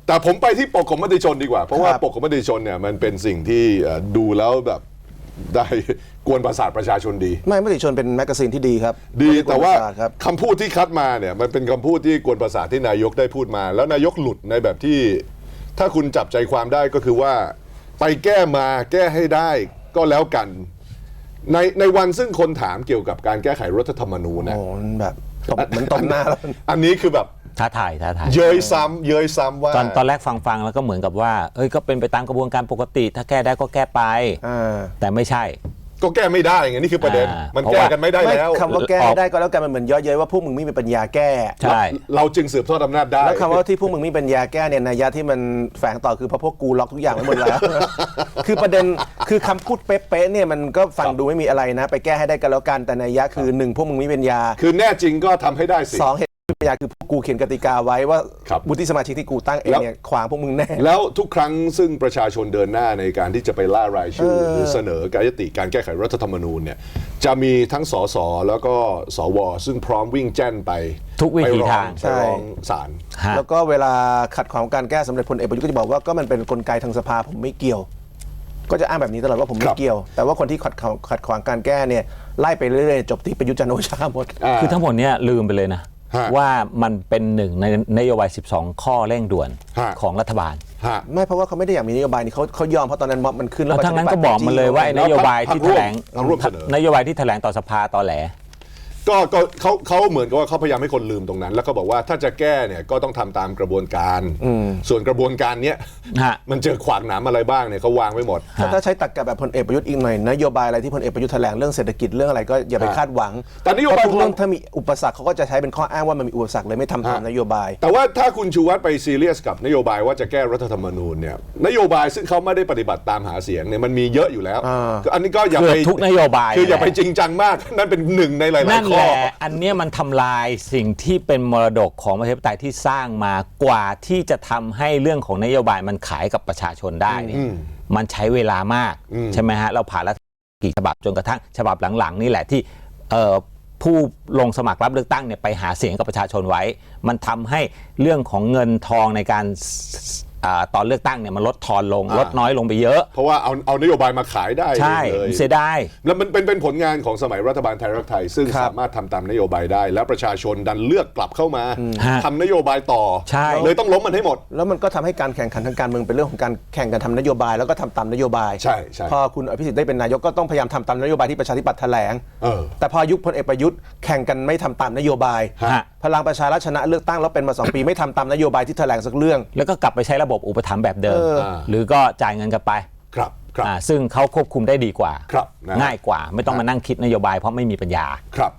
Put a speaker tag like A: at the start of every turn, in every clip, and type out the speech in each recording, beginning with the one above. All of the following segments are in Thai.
A: แต่ผมไปที่ปกของมติชนดีกว่าเพราะว่าปกของมติชนเนี่ยมันเป็นสิ่งที่ดูแล้วแบบได้กวนประสาทประชาชนดี
B: ไม่มติชนเป็นแมกกาซีนที่ดีครับ
A: ดีแต่ว่าคำพูดที่คัดมาเนี่ยมันเป็นคำพูดที่กวนประสาทที่นายกได้พูดมาแล้วนายกหลุดในแบบที่ถ้าคุณจับใจความได้ก็คือว่าไปแก้มาแก้ให้ได้ก็แล้วกันในวันซึ่งคนถามเกี่ยวกับการแก้ไขรัฐธรรมนูญนะ
B: แบบเหมือนตบหน้าแล้ว
A: อันนี้คือแบบ
C: ท้าทาย
A: เย้ยซ้ำว่า
C: ตอนแรกฟังแล้วก็เหมือนกับว่าก็เป็นไปตามกระบวนการปกติถ้าแก้ได้ก็แก้ไปแต่ไม่ใช่
A: ก็แก้ไม่ได้ไงนี่คือประเด็นมันแก้กันไม่ได้แล้ว
B: คำว่าแก้ได้ก็แล้วกันมันเหมือนเยอะเย้ยว่าพวกมึงไม่มีปัญญาแก้
C: ใช่
A: เราจึงสืบทอดอำนาจได้
B: แล้วคำว่าที่พวกมึงไม่มีปัญญาแก้เนี่ยนัยยะที่มันแฝงต่อคือเพราะพวกกูล็อกทุกอย่างไว้หมดแล้วคือประเด็นคือคำพูดเป๊ะๆเนี่ยมันก็ฟังดูไม่มีอะไรนะไปแก้ให้ได้ก็แล้วกันแต่นัยยะคือ1พวกมึงไม่มีปัญญา
A: คือแน่จริงก็ทำให้ได้สิ
B: 2ปัญญาคือกูเขียนกติกาไว้ว่าวุฒิสมาชิกที่กูตั้งเองเนี่ยขวางพวกมึงแน่
A: แล้วทุกครั้งซึ่งประชาชนเดินหน้าในการที่จะไปล่ารายชื่อหรือเสนอการยติการแก้ไขรัฐธรรมนูญเนี่ยจะมีทั้งสสแล้วก็สวซึ่งพร้อมวิ่งแจ้นไป
C: ทุกวิธีทาง
A: ไปร้องศาล
B: แล้วก็เวลาขัดขวางการแก้สำเร็จพลเอกประยุทธ์ก็จะบอกว่าก็มันเป็นกลไกทางสภาผมไม่เกี่ยวก็จะอ้างแบบนี้ตลอดว่าผมไม่เกี่ยวแต่ว่าคนที่ขัดขวางการแก้เนี่ยไล่ไปเรื่อยๆจบที่ประยุทธ์จันทร์โอชาหมด
C: คือทั้งหมดเนี้ยลืมไปเลยนะว่ามันเป็นหนึ่งในนโยบาย12ข้อเร่งด่วนของรัฐบาล
B: ไม่เพราะว่าเขาไม่ได้อยากมีนโยบายนี้เขายอมเพราะตอนนั้นม็อบมันขึ้น
C: แล้วทั้งนั้นก็บอกมันเลยว่านโยบายที่แถลงนโยบายที่แถลงต่อสภาตอแหล
A: ก็เขาเหมือนกับว่าเขาพยายามให้คนลืมตรงนั้นแล้วก็บอกว่าถ้าจะแก้เนี่ยก็ต้องทำตามกระบวนการส่วนกระบวนการเนี้ยมันเจอขวากหนามอะไรบ้างเนี่ยเขาวางไว้หมด
B: ถ้าใช้ตรรกะแบบพลเอกประยุทธ์อีกหน่อยนโยบายอะไรที่พลเอกประยุทธ์แถลงเรื่องเศรษฐกิจเรื่องอะไรก็อย่าไปคาดหวัง
A: แต่นโยบาย
B: ทุกเรื่องถ้ามีอุปสรรคเขาก็จะใช้เป็นข้ออ้างว่ามันมีอุปสรรคเลยไม่ทำตามนโยบาย
A: แต่ว่าถ้าคุณชูวัฒน์ไปซีเรียสกับนโยบายว่าจะแก้รัฐธรรมนูญเนี่ยนโยบายซึ่งเขาไม่ได้ปฏิบัติตามหาเสียงเนี่ยมันมีเยอะอยู่แล้วอันนี้ก็อย่าไป
C: ทุกนโยบาย
A: คืออย่าไปจริงจังมากนั่นเป็นหนึ่งในหลายๆข้อ
C: อันนี้มันทำลายสิ่งที่เป็นมรดกของประชาธิปไตยที่สร้างมากว่าที่จะทำให้เรื่องของนโยบายมันขายกับประชาชนได้เนี่ยมันใช้เวลามากใช่ไหมฮะเราผ่านรัฐกี่ฉบับจนกระทั่งฉบับหลังๆนี่แหละที่ผู้ลงสมัครรับเลือกตั้งเนี่ยไปหาเสียงกับประชาชนไว้มันทำให้เรื่องของเงินทองในการตอนเลือกตั้งเนี่ยมันลดทอนลงลดน้อยลงไปเยอะ
A: เพราะว่าเอานโยบายมาขายได้
C: ใช่เสียดาย
A: แล้วมันเป็นผลงานของสมัยรัฐบาลไทยรักไทยซึ่งสามารถทำตามนโยบายได้แล้วประชาชนดันเลือกกลับเข้ามาทำนโยบายต่อเลยต้องล้มมันให้หมด
B: แล้วมันก็ทำให้การแข่งขันทางการเมืองเป็นเรื่องของการแข่งกันทำนโยบายแล้วก็ทำตามนโยบาย
A: ใช่
B: พอคุณอภิสิทธิ์ได้เป็นนายกก็ต้องพยายามทำตามนโยบายที่ประชาธิปัตย์แถลงแต่พอยุคพลเอกประยุทธ์แข่งกันไม่ทำตามนโยบายพลังประชารัฐชนะเลือกตั้งแล้วเป็นมา2 ปีไม่ทำตามนโยบายที่แถลงสักเรื่อง
C: แล้วก็กลับไปใช้ระบบอุปถัมภ์แบบเดิมหรือก็จ่ายเงินกันไป
A: ครับ
C: ซึ่งเขาควบคุมได้ดีกว่าง่ายกว่าไม่ต้องมานั่งคิดนโยบายเพราะไม่มีปัญญา
A: ครับ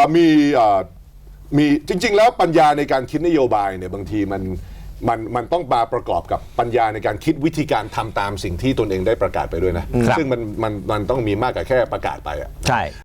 A: มีจริงๆแล้วปัญญาในการคิดนโยบายเนี่ยบางทีมันต้องมาประกอบกับปัญญาในการคิดวิธีการทำตามสิ่งที่ตนเองได้ประกาศไปด้วยนะซึ่งมันต้องมีมากกว่าแค่ประกาศไปอ่ะ
C: ใช่